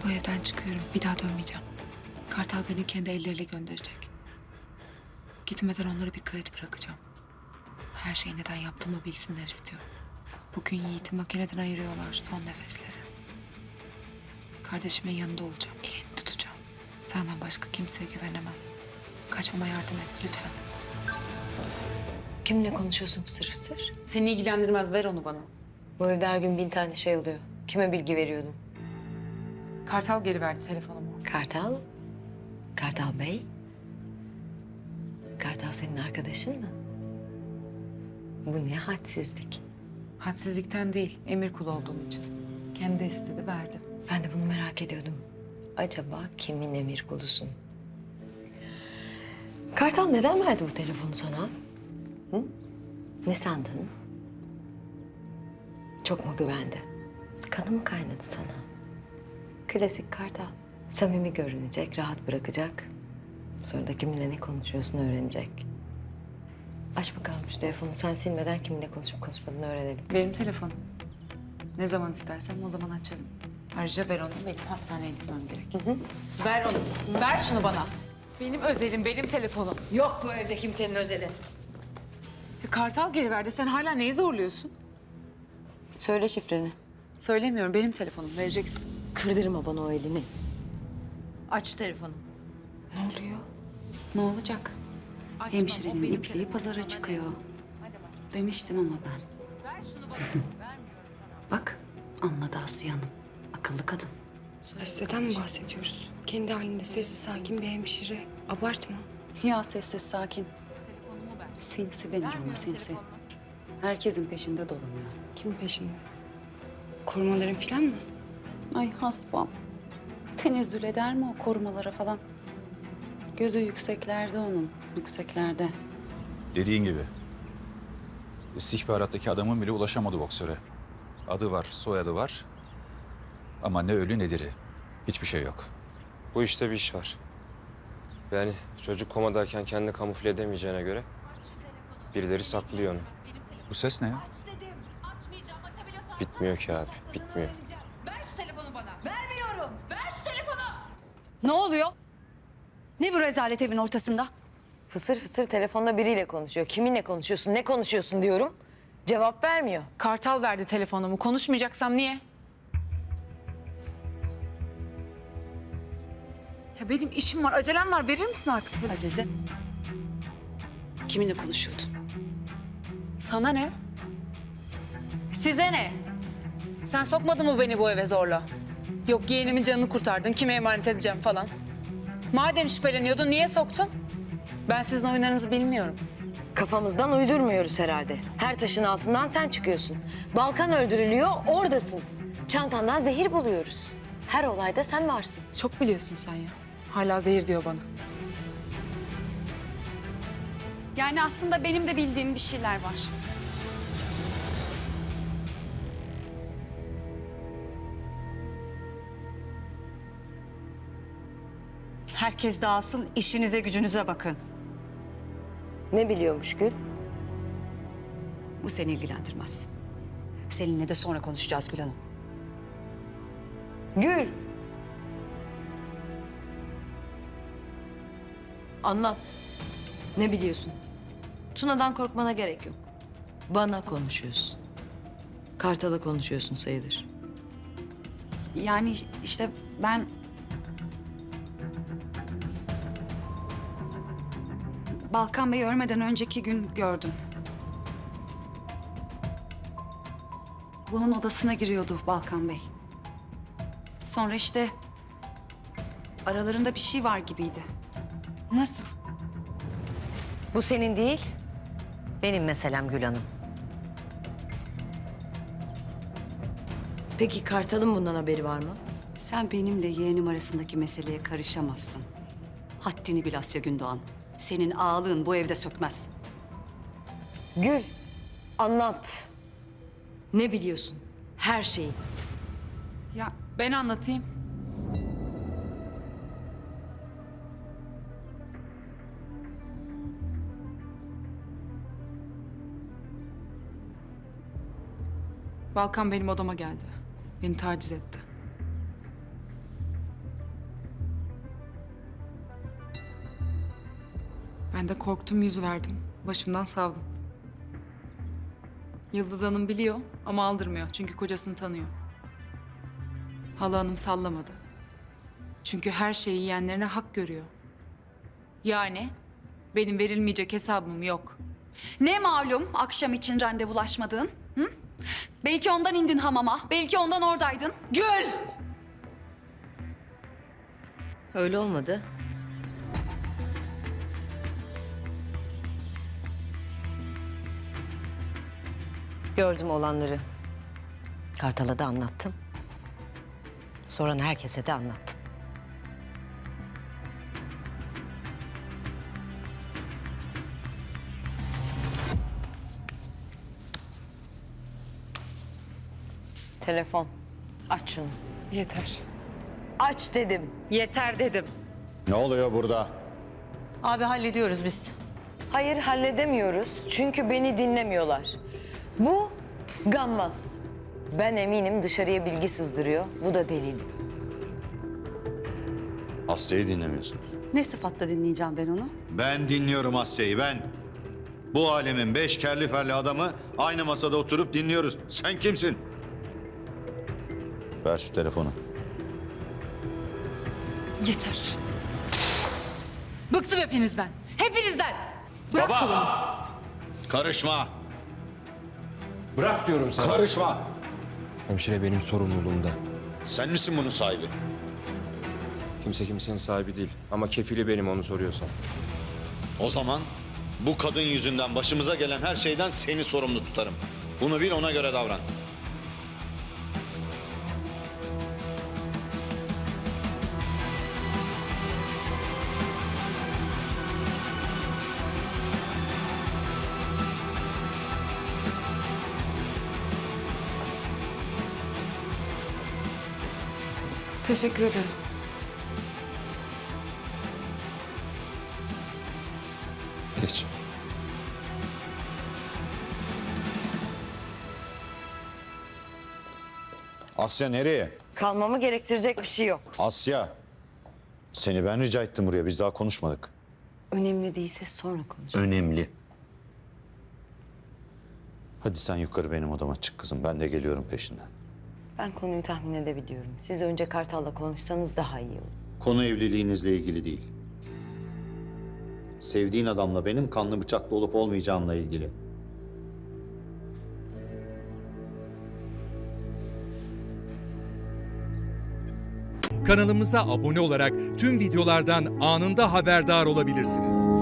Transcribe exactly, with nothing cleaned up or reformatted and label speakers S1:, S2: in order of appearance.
S1: bu evden çıkıyorum. Bir daha dönmeyeceğim. Kartal beni kendi elleriyle gönderecek. Gitmeden onlara bir kayıt bırakacağım. Her şeyi neden yaptığımı bilsinler istiyorum. Bugün Yiğit'i makineden ayırıyorlar son nefesleri. Kardeşimin yanında olacağım. Elini tutacağım. Senden başka kimseye güvenemem. Kaçmama yardım et lütfen.
S2: Kimle konuşuyorsun fısır fısır?
S1: Seni ilgilendirmez, ver onu bana.
S2: Bu evde her gün bin tane şey oluyor. Kime bilgi veriyordun?
S1: Kartal geri verdi telefonumu.
S2: Kartal? Kartal Bey? Kartal senin arkadaşın mı? Bu ne hadsizlik.
S1: Hadsizlikten değil, emir kulu olduğum için. Kendi istedi, verdi.
S2: Ben de bunu merak ediyordum. Acaba kimin emir kulusun? Kartal neden verdi bu telefonu sana? Hı? Ne sandın? Çok mu güvendi? Kanı mı kaynadı sana? Klasik Kartal. Samimi görünecek, rahat bırakacak. Sonra da kiminle ne konuşuyorsun öğrenecek. Aç bakalım şu telefonu. Sen silmeden kiminle konuşup konuşmadığını öğrenelim.
S1: Benim telefonum. Ne zaman istersem o zaman açarım. Ayrıca ver onu, benim hastaneye gitmem gerek.
S2: Hı hı.
S1: Ver onu, ver şunu bana. Benim özelim, benim telefonum.
S2: Yok bu evde kimsenin özeli.
S1: Ya Kartal geri verdi, sen hala neyi zorluyorsun?
S2: Söyle şifreni.
S1: Söylemiyorum, benim telefonum, vereceksin.
S2: Kırdırma bana o elini. Aç şu telefonu.
S1: Ne oluyor?
S3: Ne olacak?
S1: Açma,
S3: Hemşirenin
S1: o benim
S3: ipliği
S1: telefonum,
S3: pazara
S1: sana
S3: çıkıyor.
S1: ne? Hadi bak.
S3: Demiştim ama ben.
S1: Ver şunu bana, vermiyorum sana.
S3: Bak anladı Asiye Hanım. Akıllı kadın.
S4: Hasteden mi bahsediyoruz? Kendi halinde sessiz sakin bir hemşire. Abartma.
S3: Ya sessiz sakin.
S1: Telefonumu ver.
S3: Sinsi denir ona
S1: Vermiyorum
S3: sinsi.
S1: telefonumu.
S3: Herkesin peşinde dolanıyor.
S4: Kimin peşinde? Korumaların falan mı?
S3: Ay hasbam. Tenezzül eder mi o korumalara falan? Gözü yükseklerde onun. Yükseklerde.
S5: Dediğin gibi. İstihbarattaki adamın bile ulaşamadı boksöre. Adı var, soyadı var. Ama ne ölü ne diri. Hiçbir şey yok.
S6: Bu işte bir iş var. Yani çocuk komadayken kendini kamufle edemeyeceğine göre birileri saklıyor onu.
S5: Bu ses ne ya?
S7: Aç dedim. Açmayacağım. Açabiliyorsan
S6: Bitmiyor ki abi,
S7: sakladığını
S6: bitmiyor.
S7: öğreneceğim. Ver şu telefonu bana. Vermiyorum. Ver şu telefonu.
S3: Ne oluyor? Ne bu rezalet evin ortasında?
S2: Fısır fısır telefonda biriyle konuşuyor. Kiminle konuşuyorsun, ne konuşuyorsun diyorum. Cevap vermiyor.
S1: Kartal verdi telefonumu, konuşmayacaksam niye? Ya benim işim var, acelem var. Verir misin artık?
S3: Azize. Kiminle konuşuyordun?
S1: Sana ne? Size ne? Sen sokmadın mı beni bu eve zorla? Yok yeğenimin canını kurtardın, kime emanet edeceğim falan. Madem şüpheleniyordun, niye soktun? Ben sizin oyunlarınızı bilmiyorum.
S2: Kafamızdan uydurmuyoruz herhalde. Her taşın altından sen çıkıyorsun. Balkan öldürülüyor, oradasın. Çantandan zehir buluyoruz. Her olayda sen varsın.
S1: Çok biliyorsun sen ya. Hala zehir diyor bana.
S3: Yani aslında benim de bildiğim bir şeyler var.
S8: Herkes dağılsın, işinize gücünüze bakın.
S2: Ne biliyormuş Gül?
S8: Bu seni ilgilendirmez. Seninle de sonra konuşacağız Gül Hanım.
S2: Gül! Anlat. Ne biliyorsun? Tuna'dan korkmana gerek yok. Bana konuşuyorsun. Kartal'a konuşuyorsun sayılır.
S3: Yani işte ben... Balkan Bey'i ölmeden önceki gün gördüm. Bunun odasına giriyordu Balkan Bey. Sonra işte aralarında bir şey var gibiydi.
S1: Nasıl?
S2: Bu senin değil, benim meselem Gül Hanım. Peki Kartal'ın bundan haberi var mı?
S8: Sen benimle yeğenim arasındaki meseleye karışamazsın. Haddini bil Asya Gündoğan. Senin ağalığın bu evde sökmez.
S2: Gül, anlat. Ne biliyorsun? Her şeyi.
S1: Ya ben anlatayım. Balkan benim odama geldi. Beni taciz etti. de korktum, yüz verdim. Başımdan savdım. Yıldız Hanım biliyor ama aldırmıyor. Çünkü kocasını tanıyor. Hala Hanım sallamadı. Çünkü her şeyi yiyenlerine hak görüyor. Yani benim verilmeyecek hesabım yok.
S3: Ne malum akşam için randevulaşmadığın? Hı? Belki ondan indin hamama, belki ondan oradaydın. Gül!
S2: Öyle olmadı. Gördüm olanları. Kartal'a da anlattım. Soran herkese de anlattım. Telefon. Aç şunu.
S1: Yeter.
S2: Aç dedim.
S1: Yeter dedim.
S9: Ne oluyor burada?
S2: Abi hallediyoruz biz. Hayır halledemiyoruz çünkü beni dinlemiyorlar. Bu gammaz. Ben eminim dışarıya bilgi sızdırıyor. Bu da delil.
S9: Asya'yı dinlemiyorsun.
S8: Ne sıfatla dinleyeceğim ben onu?
S9: Ben dinliyorum Asya'yı, ben. Bu alemin beş kerli ferli adamı aynı masada oturup dinliyoruz. Sen kimsin? Ver şu telefonu.
S1: Yeter. Bıktım hepinizden. Hepinizden. Bırak kolumu.
S9: Karışma.
S6: Bırak diyorum sana.
S9: Karışma.
S6: Hemşire benim sorumluluğumda.
S9: Sen misin bunun sahibi?
S6: Kimse kimsenin sahibi değil. Ama kefili benim onu soruyorsan.
S9: O zaman bu kadın yüzünden başımıza gelen her şeyden seni sorumlu tutarım. Bunu bil, ona göre davran.
S1: Teşekkür ederim.
S6: Geç.
S9: Asya nereye?
S2: Kalmamı gerektirecek bir şey yok.
S9: Asya. Seni ben rica ettim buraya. Biz daha konuşmadık.
S2: Önemli değilse sonra konuş.
S9: Önemli. Hadi sen yukarı benim odama çık kızım. Ben de geliyorum peşinden.
S2: Ben konuyu tahmin edebiliyorum. Siz önce Kartal'la konuşsanız daha iyi olur.
S9: Konu evliliğinizle ilgili değil. Sevdiğin adamla benim kanlı bıçaklı olup olmayacağımla ilgili.
S10: Kanalımıza abone olarak tüm videolardan anında haberdar olabilirsiniz.